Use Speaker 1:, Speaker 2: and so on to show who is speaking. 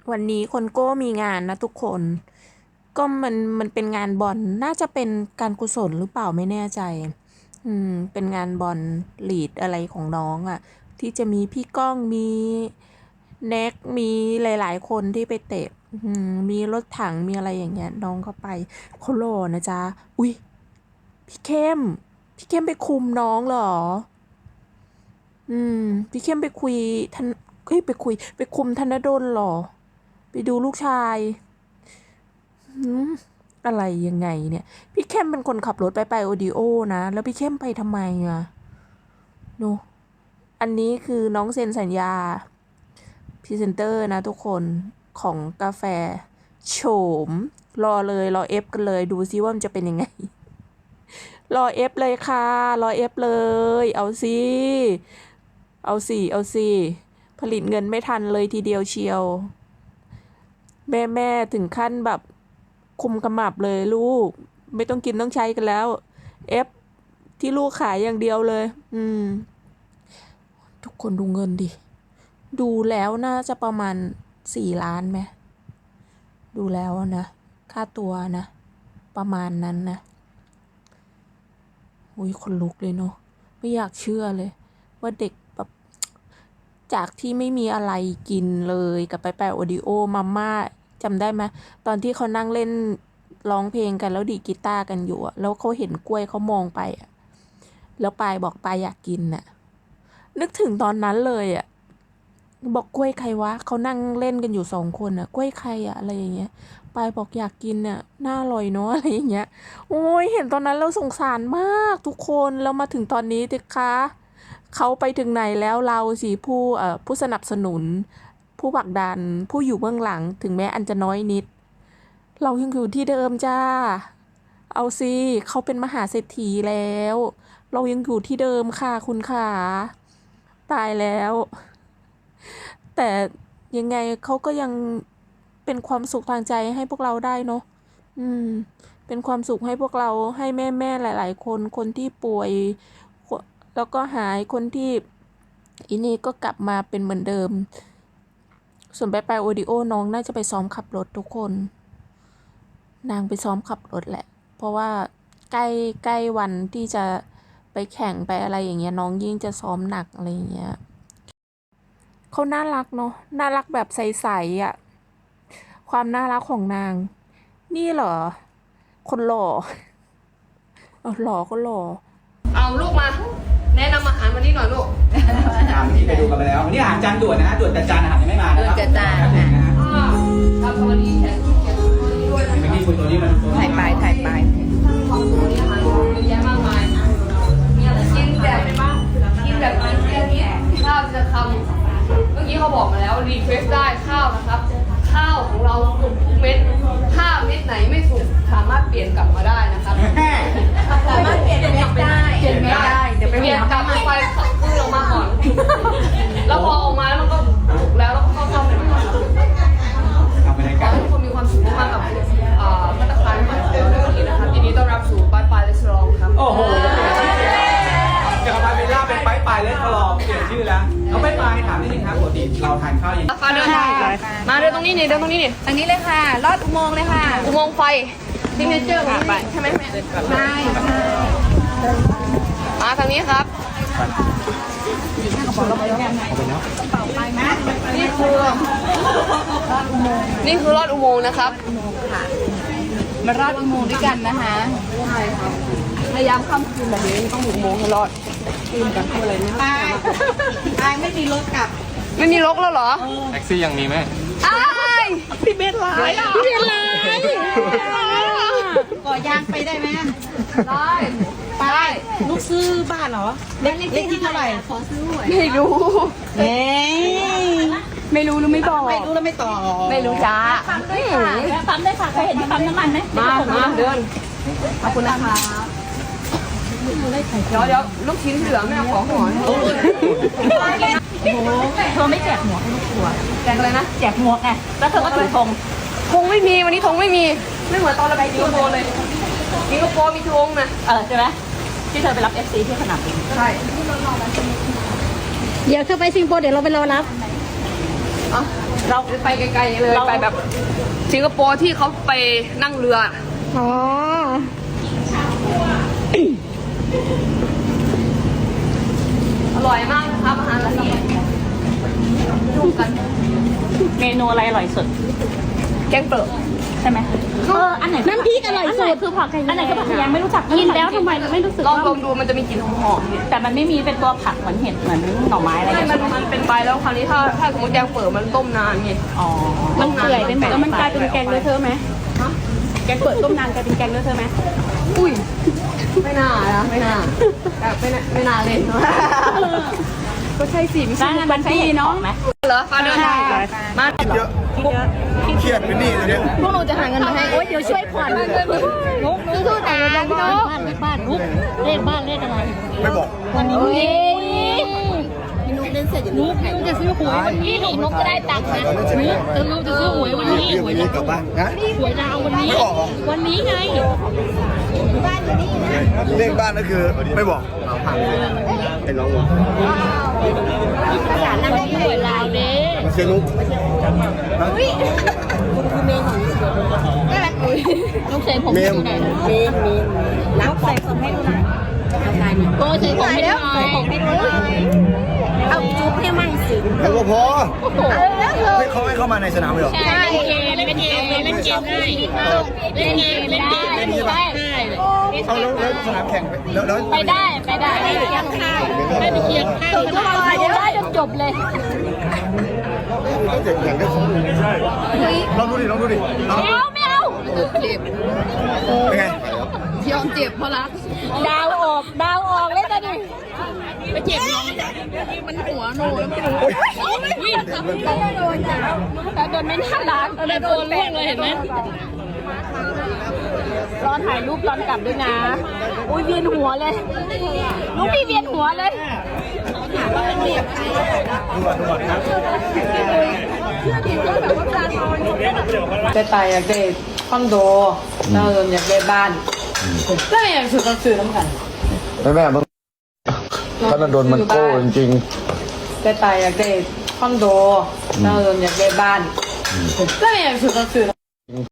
Speaker 1: วันนี้คนโก้มีงานนะทุกคน ก็มันเป็นงานบอลน่าจะเป็นการกุศลหรือเปล่าไม่แน่ใจเป็นงานบอลลีดอะไรของน้องอ่ะ ที่จะมีพี่ก้องมีแน็กมีหลายๆคนที่ไปเตะมีรถถังมีอะไรอย่างเงี้ยน้องก็ไปโคโลนะจ๊ะอุ้ยพี่เข้มไปคุมน้องเหรอพี่เข้มไปคุยท่านไปคุมธนดลเหรอไปดูลูกชายอะไรยังไงเนี่ยพี่เข้มเป็นคนขับรถไปโอดิโอนะแล้วพี่เข้มไปทำไมอ่ะโนอันนี้คือน้องเซ็นสัญญาพรีเซนเตอร์นะทุกคนของกาแฟโฉมรอเลยรอเอฟกันเลยดูซิว่ามันจะเป็นยังไงรอเอฟเลยค่ะรอเอฟเลยเอาสิผลิตเงินไม่ทันเลยทีเดียวเชียวแม่ถึงขั้นแบบคุมขมับเลยลูกไม่ต้องกินต้องใช้กันแล้วเอฟที่ลูกขายอย่างเดียวเลยทุกคนดูเงินดิดูแล้วน่าจะประมาณ4 ล้านไหมดูแล้วนะค่าตัวนะประมาณนั้นนะอุ้ยคนลุกเลยเนาะไม่อยากเชื่อเลยว่าเด็กแบบจากที่ไม่มีอะไรกินเลยกับไปโอดิโอมาม่าจำได้ไหมตอนที่เขานั่งเล่นร้องเพลงกันแล้วดีดกีตาร์กันอยู่แล้วเขาเห็นกล้วยเขามองไปแล้วปายบอกปายอยากกินน่ะนึกถึงตอนนั้นเลยบอกกล้วยใครวะเขานั่งเล่นกันอยู่2 คนกล้วยใครอะไรอย่างเงี้ยปายบอกอยากกินน่าอร่อยเนาะอะไรอย่างเงี้ยโอ้ยเห็นตอนนั้นเราสงสารมากทุกคนแล้วมาถึงตอนนี้สิคะเขาไปถึงไหนแล้วเราสิผู้สนับสนุนผู้ผลักดันผู้อยู่เบื้องหลังถึงแม้อันจะน้อยนิดเรายังอยู่ที่เดิมจ้าเอาสิเขาเป็นมหาเศรษฐีแล้วเรายังอยู่ที่เดิมค่ะคุณขาตายแล้วแต่ยังไงเขาก็ยังเป็นความสุขทางใจให้พวกเราได้เนาะเป็นความสุขให้พวกเราให้แม่หลายๆคนที่ป่วยแล้วก็หายคนที่อีนี่ก็กลับมาเป็นเหมือนเดิมส่วนไปโอดิโอน้องน่าจะไปซ้อมขับรถทุกคนนางไปซ้อมขับรถแหละเพราะว่าใกล้วันที่จะไปแข่งไปอะไรอย่างเงี้ยน้องยิ่งจะซ้อมหนักอะไรอย่างเงี้ยเขาน่ารักเนาะน่ารักแบบใสๆความน่ารักของนางนี่เหรอคนหล่อหล่อก็หล่อ
Speaker 2: เอาลูกมา แนะนำอาหารวันนี้หน่อยลูก
Speaker 3: ที่ไปดูกันไปแล้ววันนี้อาหารจานด่วนนะฮะด่วนแต่จานอาหารยังไม่มานะครับ
Speaker 4: ด่วนแต่จาน
Speaker 2: ทำสวัสดีแขกด้วยนะ
Speaker 3: ไม่ที่คุณตัวนี้มัน
Speaker 4: ถ่ายไป
Speaker 2: ตัวนี้อาหารเยอะแยะมากมายมีอะไรกินแบบข้าวจะคำเมื่อกี้เขาบอกมาแล้วรีเควสได้ข้าวนะครับข้าวของเราสุกทุกเม็ดถ้าเม็ดไหนไม่สุกสามารถเปลี่ยนกลับมาได้นะครับ
Speaker 4: สามารถเปลี่ยนเม็ดได้
Speaker 2: เปลี่ยนกลับไปขึ้นลงมาก่อนแล้วพอออกมาแล้วมันก็สุกแล้วก็เข้าซ่อมเลยก่อนขอให้ทุกคนมีความสุขมากกับมาตรการใหม่ของเราในวันนี้นะครับยินดีต้อนรับสู่บ้านปลายเลสลองครับ
Speaker 3: โอ้โหจากปลายเบลล่าเป็นปลายเลสลองเปลี่ยนชื่อแล้วเอาปลายถามนิดนึงครับปกติเราทานข้าวยัง
Speaker 2: มาเดินตรงนี้นี่ทางนี้
Speaker 4: เลยค่ะลอดอุโมงค์เลยค่ะ
Speaker 2: อุโมงค์ไฟซิงเกิลเจอร์ของนี่ใช่ไหมแม่
Speaker 4: ใช่
Speaker 2: มาทางนี้ครับนี่คือลอดอุโมงค์นะครับ
Speaker 4: มารอดอุโมงค์ด้วยกันนะคะ
Speaker 2: ใช่ครับพยายามข้ามคืนแบบนี้ต้องอุโมงค์ให้รอดคืนกันคืออะไรนะ
Speaker 4: ไปไม่มีรถกลับ
Speaker 2: ไม่มีรถแล้วเหรอ
Speaker 5: แท็กซี่ยังมีไหม
Speaker 2: พี่เบสไลน์
Speaker 4: ก่อยางไปได้ไหม
Speaker 2: ได้
Speaker 4: ลูกซื้อบ้านเหรอเล็กที่เท่าไหร่ขอซื้อหวย
Speaker 2: ไม่รู้
Speaker 4: ไม่
Speaker 2: รู้หรือไม่บอก
Speaker 4: ไม่รู้แล้วไม่ต่อ
Speaker 2: ไม่รู้จ้า
Speaker 4: ปั๊มด้วยค่ะเคยเห็นที่ปั๊มน้ำมันไหม
Speaker 2: มาเดินขอบคุณนะคะเดี๋ยวลูกชิ้นเหลือแม่ขอหอน
Speaker 4: เธอไม่แจกหมวกให้ลูกทัวร์
Speaker 2: แจกอะไรนะ
Speaker 4: แจกหมวกไงแล้วเธอก็ถือธง
Speaker 2: ไม่มีวันนี้ธงไม่มีไม่เหมือนตอนเราไปสิงคโปร์เลยสิงคโปร์มีธงนะ
Speaker 4: ใช่ไหมที่เธอไปรับ FC ที่สนามบิน
Speaker 2: ใช่
Speaker 4: เดี๋ยวเธอไปสิงคโปร์เดี๋ยวเราไปรอรับ
Speaker 2: เราไปไกลๆเลยไปแบบสิงคโปร์ที่เขาไปนั่งเรือ
Speaker 4: อ๋อ
Speaker 2: อร่อยมากนะครับอาหารละเอียดดูกัน
Speaker 5: เมนูอะไรอร่อยสุด
Speaker 2: แกงเปิด
Speaker 5: ใช่ไหมอันไหนน้ำพริกอร่อยสุดคือผักอันไหนคือผักยังไม่รู้จักกินแล้วทำไมไม่รู้สึก
Speaker 2: ลอง
Speaker 5: ว่า
Speaker 2: ลองดูมันจะมีกลิ่นหอมๆเนี่ย
Speaker 5: แต่มันไม่มีเป็นตัวผักเหมือนเห็ดเหมือนหน่อไม้อะไร
Speaker 2: ไม่
Speaker 5: อย่าง
Speaker 2: มั
Speaker 5: เงี้
Speaker 2: น
Speaker 5: ย
Speaker 2: เป็นใบแล้วคราวนี้ถ้าสมมติแกงเปิดมันต้มนานไง
Speaker 5: อ๋อ
Speaker 2: มันเปื่อยเป็นแบบ
Speaker 5: แล้วมันกลายเป็นแกงเลอะเทอะไหมแกงเปิดต้มนานกลายเป็นแกงเลอะเทอะไหม
Speaker 2: อุ้ยไม่น่านะไม่น่าแบบไม่น่าเลยก็ใช่สิไม่ใช่
Speaker 5: ร้านมันใช้เห็ดเนาะไหม
Speaker 2: เหรอมาเดินทางมา
Speaker 6: เยอะเครียดเป็นหนี้เลยเนี่ย
Speaker 4: พวกหนูจะหาเงินมาให้โอ๊ยเดี๋ยวช่วยผ่อนนุ๊กสู้ๆนะพี่นุ๊กบ้านนุ๊กเลขบ้านเลขอะไร
Speaker 6: ไม่บอก
Speaker 4: วันนี้พี่นุ๊กเล่นเสร็จนุ๊กจะซื้อหวยวันนี้นุ๊กจะได้ตังค์นะนุ๊กจะซื้อหวยวันนี้
Speaker 6: เรียกวันนี้กลับบ้านนะ
Speaker 4: หวยดาววันนี้
Speaker 6: ไม่บอกเหรอ
Speaker 4: วันนี้ไงบ้านอยู่นี่นะ
Speaker 6: เลขบ้านก็คือไม่บอกเราพังไอ้น้องบอก
Speaker 4: ภาษานั่งได้หวยลาวเด้
Speaker 6: มันเชียร์นุ๊กนะ
Speaker 4: นุ๊กใส่ผมให้ดูหน่อยเมนนุ๊กใส่ผมให้ดูหน่อยโอ้ใส่ผมให้ดูหน่อยเอาจุ๊บให้มั่งสิ
Speaker 6: แล้วก็พอให้เขาให้เข้ามาในสนามเลยเหรอ
Speaker 4: ใช่เล่นเกมได้เล่นเกมได้เล่นเกมได้ได้
Speaker 6: เอาแล้วสนามแข่งแล้ว
Speaker 4: ไปได้ไปเคียงข้าวไปเคียงข้าวทุกคนได้จนจบเลย
Speaker 6: เจ็บอย่างเดียวลองดูดิลองดูดิ
Speaker 4: ไม่เอา
Speaker 6: เป็นไง
Speaker 2: ยอมเจ็บเพราะรัก
Speaker 4: ดาวออกเลยตอนนี้ไปเจ็บน้องมันหัวโนแล้วไม่รู้วิ่งโดนจ้ะแต่โดนไม่น่ารักโดนเรื่องเลยเห็นไหมรอถ่ายรูปตอนกลับด้วยนะอุ้ยเวียนหัวเลยลูกพี่เวียนหัวเลย
Speaker 2: จะตายอยากได้คอนโดแล้วอยากได้บ้านแล้วอยากซื้อก็ซื้อน้ำกัน
Speaker 6: แม่มึงธนดลมันโก้จริง
Speaker 2: จะตายอยากได้คอนโดแล้วอยากได้บ้านแล้วอยากซื้อก็ซื้อ